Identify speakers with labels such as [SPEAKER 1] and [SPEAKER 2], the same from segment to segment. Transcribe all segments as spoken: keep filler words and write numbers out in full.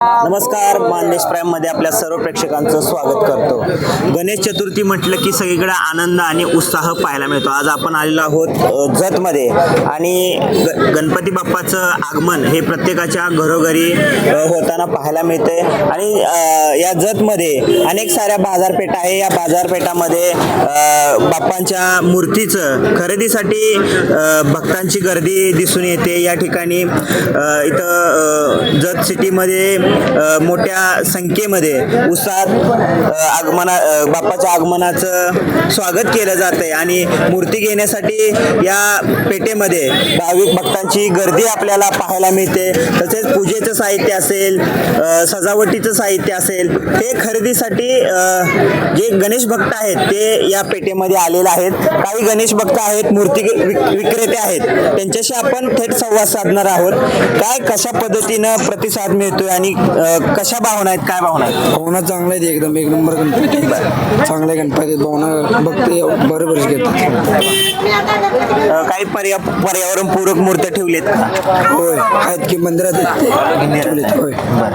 [SPEAKER 1] नमस्कार, मानदेश प्राईम मध्ये आपल्या सर्व प्रेक्षकांचं स्वागत करतो। गणेश चतुर्थी म्हटलं की सगळीकडे आनंद आणि उत्साह पाहायला मिळतो। आज आपण आलेलो आहोत जत मध्ये आणि गणपती बाप्पाचं आगमन हे प्रत्येकाच्या घरोघरी होताना पाहायला मिळते आणि या जत मध्ये अनेक साऱ्या बाजारपेठा आहे। या बाजारपेठामध्ये बाप्पांच्या मूर्तीचं खरेदीसाठी भक्तांची गर्दी दिसून येते। या ठिकाणी इथं जत सिटीमध्ये मोठ्या संख्येमध्ये उत्साहात आगमना बाप्पाच्या आगमनाचं स्वागत केलं जातंय आणि मूर्ती घेण्यासाठी या पेठेमध्ये भाविक भक्तांची गर्दी आपल्याला पाहायला मिळते। तसेच पूजेचं साहित्य असेल, सजावटीचं साहित्य असेल, हे खरेदीसाठी जे गणेश भक्त आहेत ते या पेठेमध्ये आलेले आहेत। काही गणेश भक्त आहेत, मूर्ती विक्रेते आहेत, त्यांच्याशी आपण थेट संवाद साधणार आहोत। काय कशा पद्धतीनं प्रतिसाद मिळतोय आणि कशा भावना आहेत, काय भावना आहेत?
[SPEAKER 2] भावना चांगला आहे, एकदम एक नंबर गणपती, चांगले गणपती भावना बघते बरोबर घेतात।
[SPEAKER 1] काही पर्या पर्यावरण पूरक मूर्त्या ठेवलेत का?
[SPEAKER 2] होय, आहेत की मंदिरात ठेवलेत। होय,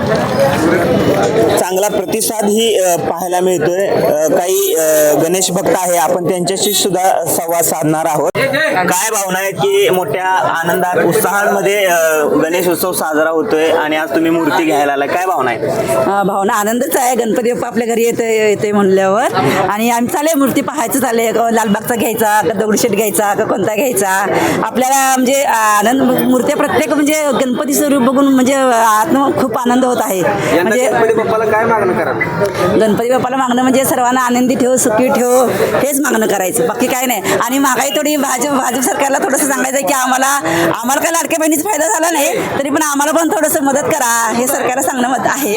[SPEAKER 1] चांगला प्रतिसाद ही पाहायला मिळतोय। काही गणेश भक्त आहे, आपण त्यांच्याशी सुद्धा संवाद साधणार आहोत। काय भावना आहेत की मोठ्या आनंदात उत्साहामध्ये गणेश उत्सव साजरा होतोय आणि आज तुम्ही मूर्ती घ्यायला आलाय, काय भावना आहेत?
[SPEAKER 3] भावना आनंदच आहे। गणपती बाप्पा आपल्या घरी येते येते म्हणल्यावर आणि आम्ही चालले मूर्ती पाहायचं चालले, लालबागचा घ्यायचा का दगडूशेठ घ्यायचा का कोणता घ्यायचा, आपल्याला म्हणजे आनंद मूर्त्या प्रत्येक म्हणजे गणपती स्वरूप बघून म्हणजे आत्म खूप आनंद होत आहे। म्हणजे
[SPEAKER 2] गणपती बाप्पाला काय मागणं करा?
[SPEAKER 3] गणपती बाप्पाला मागणं म्हणजे सर्वांना आनंदी ठेव, सुखी ठेव, हेच मागणं करायचं, बाकी काय नाही। आणि महागाई थोडी भाजप भाजप सरकारला थोडंसं सांगायचं की आम्हाला आम्हाला काय लाडक्या बहिणीचा फायदा झाला नाही तरी पण आम्हाला पण थोडंसं मदत करा, हे सरकारला सांगणं मत आहे।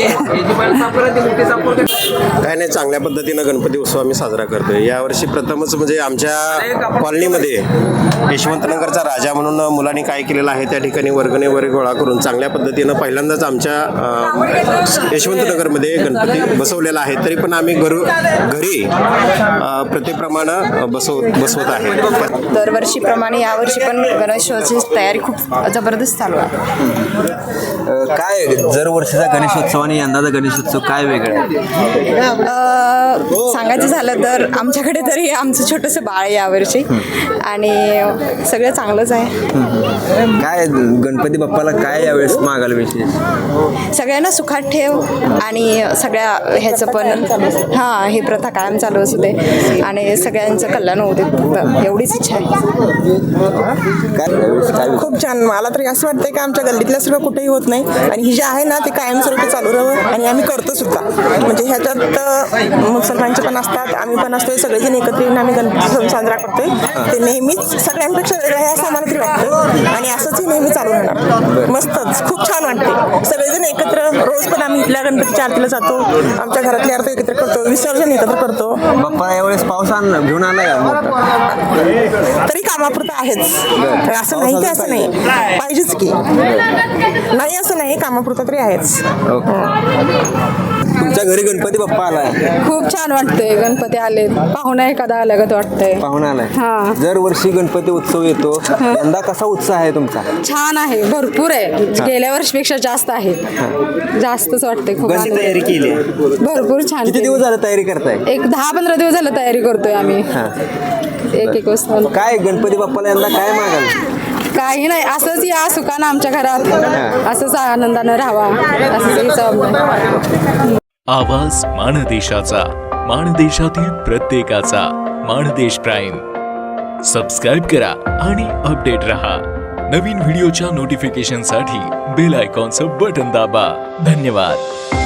[SPEAKER 4] काय नाही, चांगल्या पद्धतीनं गणपती उत्सव आम्ही साजरा करतोय। यावर्षी प्रथमच म्हणजे आमच्या कॉलनीमध्ये यशवंतनगरचा राजा म्हणून मुलांनी काय केलेलं आहे, त्या ठिकाणी वर्गणी वगैरे गोळा करून चांगल्या पद्धतीनं पहिल्यांदाच आमच्या यशवंतनगरमध्ये गणपती बसवलेला आहे। तरी पण आम्ही घरू घरी प्रत्येकप्रमाणे बसव बसवत आहे।
[SPEAKER 5] दरवर्षीप्रमाणे यावर्षी पण गणेशोत्सवाची तयारी खूप जबरदस्त चालू आहे।
[SPEAKER 2] काय दरवर्षीचा गणेशोत्सव आणि यंदाचा गणेशोत्सव काय वेगळं आहे?
[SPEAKER 5] सांगायचं झालं तर आमच्याकडे तरी आमचं छोटंसं बाळ आहे यावर्षी आणि सगळं चांगलंच आहे।
[SPEAKER 2] काय गणपती बाप्पाला काय यावेळेस मागायला विशेष?
[SPEAKER 5] सगळ्यांना सुखात ठेव आणि सगळ्या ह्याचं पण हां ही प्रथा कायम चालू असू दे आणि सगळ्यांचं कल्याण होऊ दे, फक्त एवढीच इच्छा आहे।
[SPEAKER 6] खूप छान, मला तरी असं वाटतंय की आमच्या गल्लीतल्या सगळं कुठेही होत नाही आणि ही जी आहे ना ती कायमस्वरूपी चालू राहावं आणि आम्ही करतो सुद्धा। म्हणजे ह्याच्यात मुसलमानचे पण असतात, आम्ही पण असतोय, सगळेजण एकत्र येऊन आम्ही गणपती सण साजरा करतोय। ते नेहमीच सगळ्यांपेक्षा वेगळं आहे असं आम्हाला तरी वाटतं आणि असंच हे नेहमी चालू राहणार। मस्तच, खूप छान वाटते। सगळेजण एकत्र रोज पण आम्ही इथल्या गणपतीच्या आरतीला जातो, आमच्या घरातली आरती एकत्र करतो, विसर्जन एकत्र करतो।
[SPEAKER 2] बाप्पा यावेळेस पाऊस आण घेऊन आलाय
[SPEAKER 6] तरी कामापुरतं आहेच, असं नाही की असं नाही, पाहिजेच की नाही असं नाही, कामापुरतं तरी आहेच।
[SPEAKER 2] तुमच्या घरी गणपती बाप्पा आलाय,
[SPEAKER 7] खूप छान वाटतंय। गणपती आले, पाहुणा एखादा आल्यागत वाटतंय।
[SPEAKER 2] पाहुणा आलाय,
[SPEAKER 7] हा।
[SPEAKER 2] दरवर्षी गणपती उत्सव येतो, यंदा कसा उत्साह आहे तुमचा?
[SPEAKER 7] छान आहे, भरपूर आहे, गेल्या वर्षीपेक्षा जास्त आहे, जास्तच वाटतंय। खूप
[SPEAKER 1] कशी तयारी केली?
[SPEAKER 7] भरपूर छान।
[SPEAKER 2] किती दिवस झालं तयारी करताय?
[SPEAKER 7] एक दहा पंधरा दिवस झालं तयारी करतोय आम्ही, एक एक वाजता।
[SPEAKER 2] काय गणपती बाप्पाला यंदा काय मागाल?
[SPEAKER 7] काही नाही, असंच या सुखानं आमच्या घरात असंच आनंदानं राहावा, असंच
[SPEAKER 8] आवाज माणदेशाचा, माणदेशातील प्रत्येकाचा, माणदेश प्राईम। सबस्क्राईब करा आणि अपडेट रहा। नवीन व्हिडिओच्या नोटिफिकेशनसाठी बेल आयकॉनचं बटन दाबा। धन्यवाद।